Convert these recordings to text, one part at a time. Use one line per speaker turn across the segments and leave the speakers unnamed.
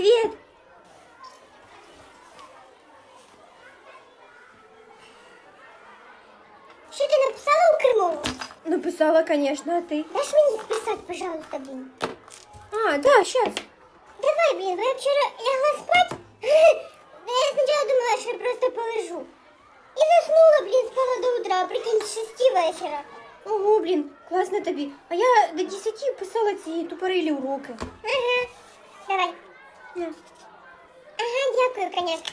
Привіт!
Що ти написала у Кримову?
Написала, конечно, а ти?
Дашь мені списати, пожалуйста, блін?
А, да, щас.
Давай, блін, бо я вчора лягла спать. Я спочатку думала, що я просто полежу. І заснула, блін, спала до утра, а прикинь, з 6 вечора.
Ого, блін, класно тобі. А я до 10 писала ці тупорилі уроки.
Ага, давай.
На.
Ага, дякую, конечно.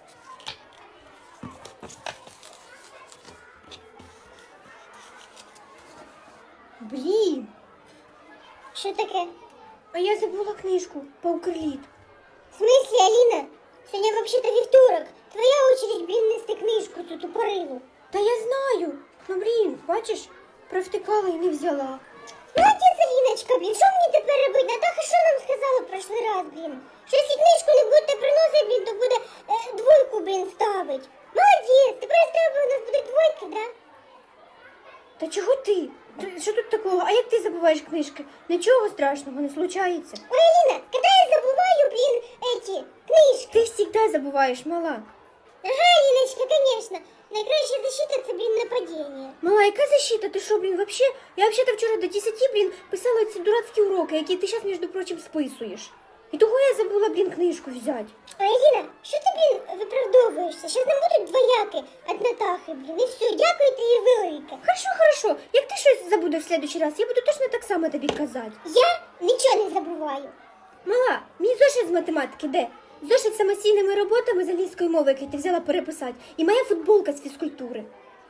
Блін,
Що таке?
а я забула книжку по Укрліт.
В смысле, Аліна? Сьогодні взагалі-то вівторок. Твоя очередь, блін, нести книжку цю тупорилу.
Та я знаю. Ну, блін, бачиш, провтикала і не взяла.
Молодець, Аліночка, блін, що мені тепер робити? Натаха що нам сказала в прошлий раз, блін? Що якщо книжку не будете приносити, блін, то буде двойку, блін, ставить. Молодець, тепер треба у нас буде двойки, да?
Та чого ти? Що тут такого? А як ти забуваєш книжки? Нічого страшного не случається.
Ой, Аліна, коли я забуваю, блін, эти книжки.
Ти завжди забуваєш, мала.
Ага, Аліночка, конечно. Найкраща защита – це, блін, нападіння.
Мала, яка защита? Ти що, блін, вообще? Я вообще-то вчора до 10, блін, писала ці дурацькі уроки, які ти зараз, між прочим, списуєш. І того я забула, блін, книжку взяти.
Ой, Аліна, що ти, блін, виправдовуєшся? Щас нам будуть двояки від Натахи, блін, і все, дякую тобі велике.
Хорошо, хорошо. Як ти щось забудеш в следующий раз, я буду точно так само тобі казати.
Я нічого не забуваю.
Мала, мій зошит з математики де? Зошит з самостійними роботами з англійської мови, який ти взяла переписати, і моя футболка з фізкультури.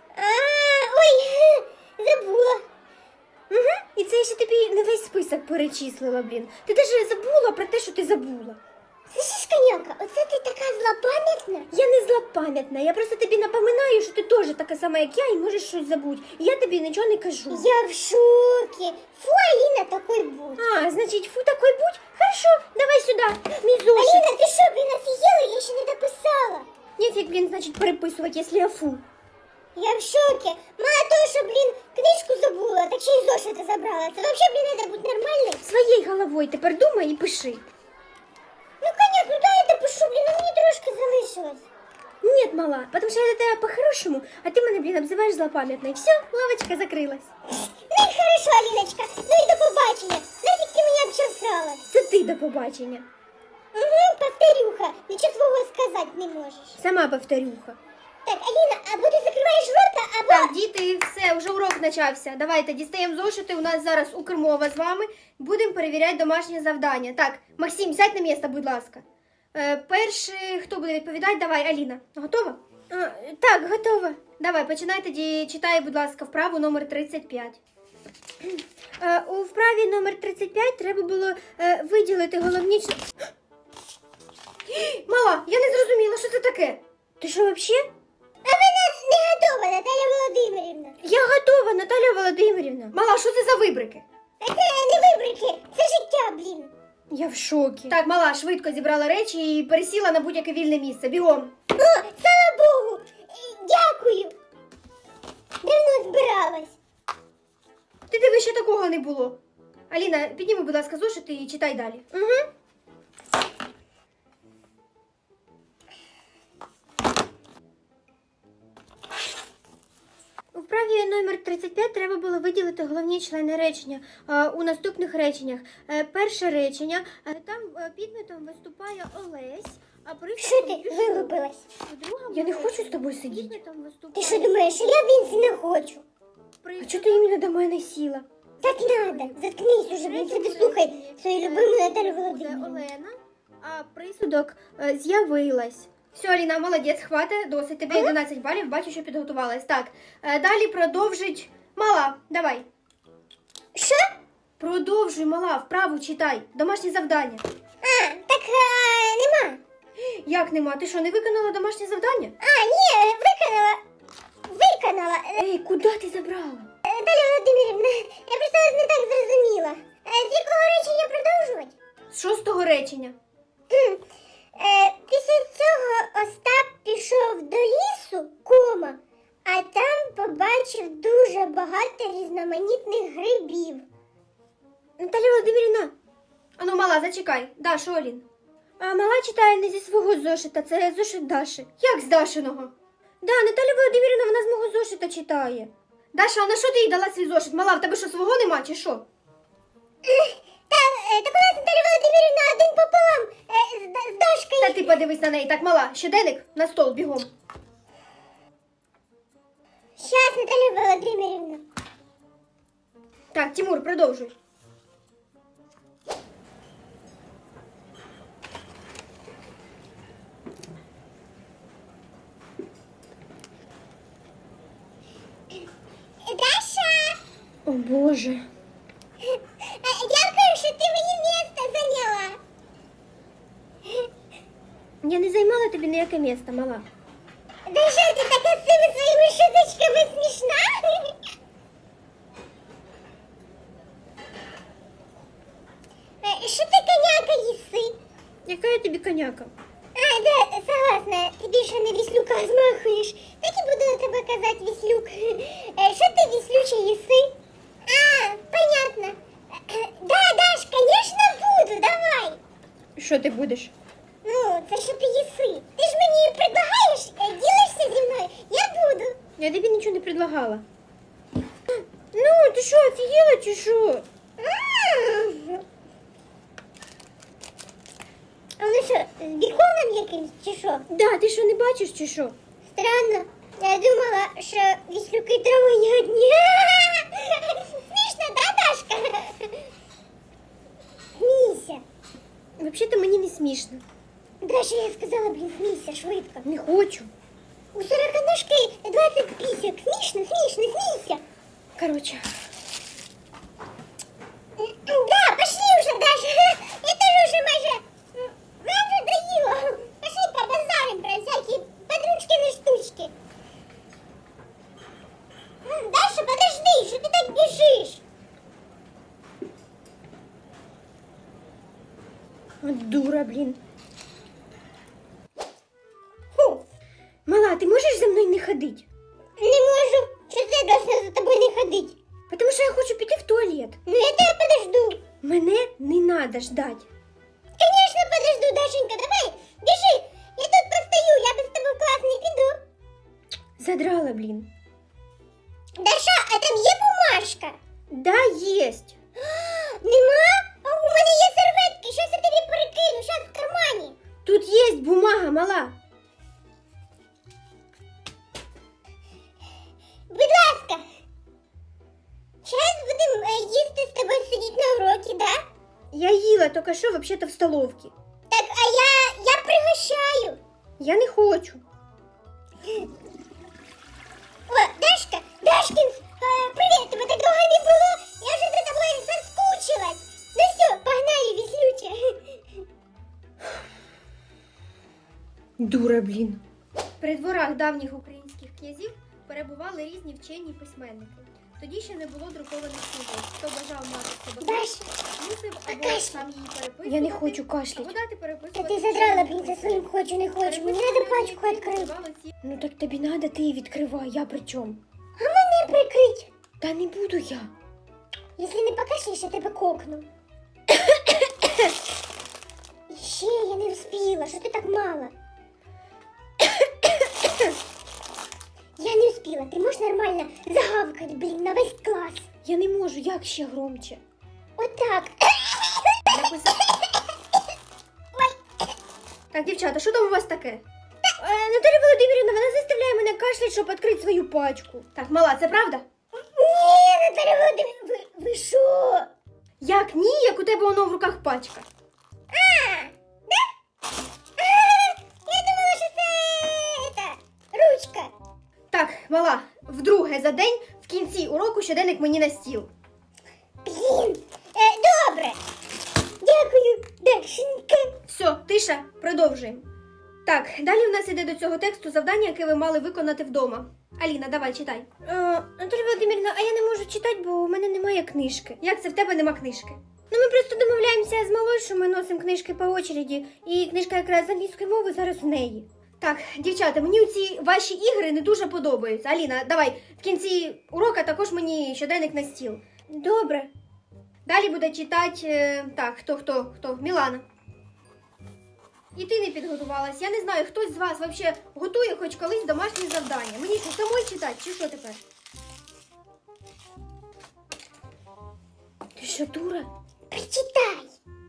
Ой, забула.
Угу. І це я ще тобі не весь список перечислила, блін. Ти навіть забула про те, що ти забула.
Слышиш, коняка, оце ти така злопам'ятна?
Я не злопам'ятна, я просто тобі напоминаю, що ти теж така сама, як я, і можеш щось забути. І я тобі нічого не кажу.
Я в шокі. Фу, Аліна, такой будь.
А, значить, фу, такой будь? Хорошо, давай сюди, мій зошит.
Аліна, ти що, блін, офігела? Я ще не дописала.
Нефіг, блін, значить, переписувати, якщо я фу.
Я в шокі. Мало того, що, блін, книжку забула, так ще й зошити забрала. Це взагалі, блін, треба бути нормальною.
Своєю головою тепер думай і пиши.
Ну, коняк, ну дай я допишу, блін, ну мені трошки залишилось.
Нет, мала, потому что я до тебя по-хорошему, а ты меня, блин, обзываешь злопамятной. Все, лавочка закрылась.
Ну і хорошо, Аліночка, ну і до побачення. Нафіг ти мене обчесала?
Це ти до побачення.
Угу, повторюха, нічого свого сказати не можеш.
Сама повторюха.
Так, Аліна, або ти закриваєш рота, або...
Так, діти, все, вже урок почався. Давайте, дістаємо зошити, у нас зараз Укрмова з вами. Будемо перевіряти домашнє завдання. Так, Максим, сядь на місце, будь ласка. Перший, хто буде відповідати? Давай, Аліна. Готова? Так, готова. Давай, починай тоді, читай, будь ласка, вправу номер 35. У вправі номер 35 треба було виділити головні... Мала, я не зрозуміла, що це таке. Ти що, взагалі?
А ви не готова, Наталя Володимирівна.
Я готова, Наталя Володимирівна. Мала, що це за вибрики?
Це не вибрики, це життя, блін.
Я в шокі. Так, мала, швидко зібрала речі і пересіла на будь-яке вільне місце. Бігом.
О, слава Богу, дякую. Давно збиралась.
Ти диви, ще такого не було. Аліна, підніми, будь ласка, зошити і читай далі. Угу. У вправі номер 35 треба було виділити головні члени речення у наступних реченнях. Перше речення, там підметом виступає Олесь, а
Що ти вилупилась?
Я не хочу з тобою сидіти.
Ти що думаєш, що я в Вінці не хочу?
А чого ти іменно до мене сіла?
Так надо, заткнись уже, блін, собі слухай свою любиму Наталю
Це
Володимирівну.
Олена, а присудок з'явилась. Все, Аліна, молодець, хватить, досить. Тебе 11 балів, бачу, що підготувалась. Так, далі продовжить. Мала, давай.
Що?
Продовжуй, мала, вправу читай. Домашнє завдання.
Так нема.
Як нема? Ти що, не виконала домашнє завдання?
Ні, виконала.
Ей, куди ти забрала?
Наталя Володимирівна, я просто вас не так зрозуміла. З якого речення продовжувати?
З 6-го речення.
Після цього Остап пішов до лісу, кома, а там побачив дуже багато різноманітних грибів.
Наталя Володимирівна. Ану, мала, зачекай. Да, що, Алін? А мала читає не зі свого зошита, це зошит Даші. Як з Дашиного? Да, Наталя Володимирівна, вона з мого зошита читає. Даша, а на що ти їй дала свій зошит? Мала, в тебе що, свого нема, чи що?
Так у нас Наталя Володимирівна один пополам з Дашкою.
Та ти подивись на неї, так, мала, щоденник на стол, бігом.
Щас, Наталя Володимирівна.
Так, Тимур, продовжуй.
Даша,
О, Боже.
дякую, що ти мені місце зайняла.
Я не займала тобі ніяке місце, мала.
Даша, ти така з цими своїми шуточками смішна. Що ти коняка їси?
Яка я тобі коняка?
А, да, согласна, ти більше не віслюка змахуєш. Так і буду на тебе казати віслюк. Що ти віслюче їси? А, понятно. Да, Даш, конечно буду, давай.
Що ти будеш?
Ну, це що ти їси? Ти ж мені предлагаєш, ділишся зі мною, я буду.
Я тобі нічого не предлагала. Ну, ти що, офігела чи що?
А воно що, з біконом якимсь чи що?
Да, ти що, не бачиш чи що?
Странно. Я думала, що віслюки травоядні. Смішно, да, Дашка? Смійся.
Взагалі-то мені не смішно.
Даша, я сказала, блін, смійся швидко.
Не хочу.
У сороконожки 20 пісок. Смішно, смішно, смійся.
Короче.
Да, пошли уже, Даша. Я тоже уже майже... Майже доїла. Пошли побазарим про всякі подручкины штучки. Даша, подожди, що ти так біжиш?
От дура, блін.
Фу,
Мала, ти можеш за мною не ходити?
не можу. Що це я должна за тобою не ходити?
Тому що я хочу піти в туалет.
Ну я тебе подожду.
Мене не надо ждать.
Конечно, подожду, Дашенька, давай, біжи. Я тут постою, я без тебе в клас не піду.
Задрала, блін.
Даша, а там є бумажка?
Да, єсть.
Нема? А у мене є серветки, щось я тобі перекину, щас в кармані.
Тут є бумага, мала.
Будь ласка. Зараз будемо їсти з тобою сидіти на уроці, да?
Я їла тільки що, взагалі-то в столовці.
Так, а я пригощаю.
Я не хочу.
О, Дашка, Дашкин, привіт, тебе так довго не було. Я вже за тобою соскучилась. Ну все, погнали, віслюче.
Дура, блін. При дворах давніх українських князів перебували різні вчені письменники. Тоді ще не було друкованих книжок. Хто бажав мати собаку,
Даша,
мусив або
кашляй.
сам її переписувати.
Я не хочу кашлять.
Або дати
Та
переписувати.
ти задрала, блін, за своїм хочу, не хочу. Мені треба пачку відкрити.
Ну так тобі надо, ти її відкривай, я при чому?
А мене прикрить.
Та не буду я.
Якщо не покашляєш, я тебе кокну. Ще я не вспіла, що ти так мало? Я не вспіла, ти можеш нормально загавкати, блін, на весь клас.
Я не можу, як ще громче.
Отак.
Так, дівчата, що там у вас таке? Наталя Володимирівна, вона заставляє мене кашляти, щоб відкрити свою пачку. Так, мала, це правда?
Ні, Наталя Володимирівна, ви що?
Як ні, як у тебе воно в руках пачка.
Я думала, що це ручка.
Так, мала, вдруге за день в кінці уроку щоденник мені на стіл.
Блін, добре. Дякую, Дашенька.
Все, тиша, продовжуємо. Так, далі у нас іде до цього тексту завдання, яке ви мали виконати вдома. Аліна, давай, читай.
Наталя Володимирівна, а я не можу читати, бо у мене немає книжки.
Як це в тебе нема книжки?
Ну ми просто домовляємося з малою, що ми носимо книжки по очереді, і книжка якраз з англійської мови зараз в неї.
Так, дівчата, мені ці ваші ігри не дуже подобаються. Аліна, давай, в кінці урока також мені щоденник на стіл.
Добре.
Далі буде читати, так, хто? Мілана. І ти не підготувалась. Я не знаю, хтось з вас взагалі готує хоч колись домашні завдання. Мені що, самой читати, чи що тепер?
Ти що, дура?
Прочитай.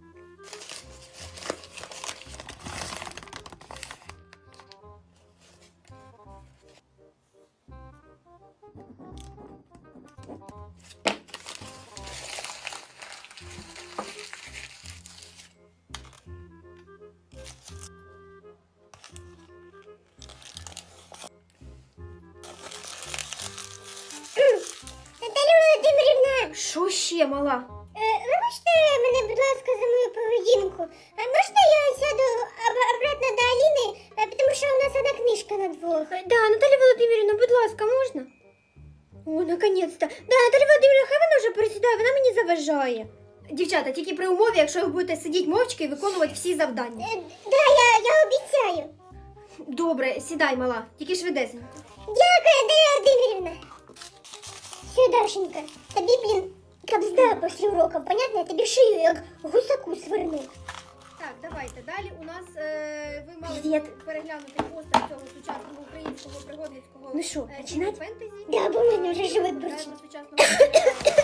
Наталя Володимирівна,
Що ще, мала?
вибачте мене, будь ласка, за мою поведінку. А можна я сяду обратно до Аліни, тому що у нас одна книжка на двох.
Да, Наталя Володимирівна, будь ласка, можна? О, наконець-то. Да, Наталя Володимирівна, хай вона вже пересідає, вона мені заважає.
Дівчата, тільки при умові, якщо ви будете сидіти мовчки і виконувати всі завдання.
Да, я обіцяю.
Добре, сідай, мала, тільки швидесенько.
Дякую, Наталя Володимирівна. Все, Дашенька, тобі, блін, кабзда після уроку, понятно? Я тобі шию як гусаку сверну.
Так, давайте. Далі у нас ви мали
Привіт.
переглянути постер цього сучасного українського пригодницького
Ну що,
фільму
починать?
фентезі.
Да, бо в мене вже живот
Граємо
бурчить.
сучасного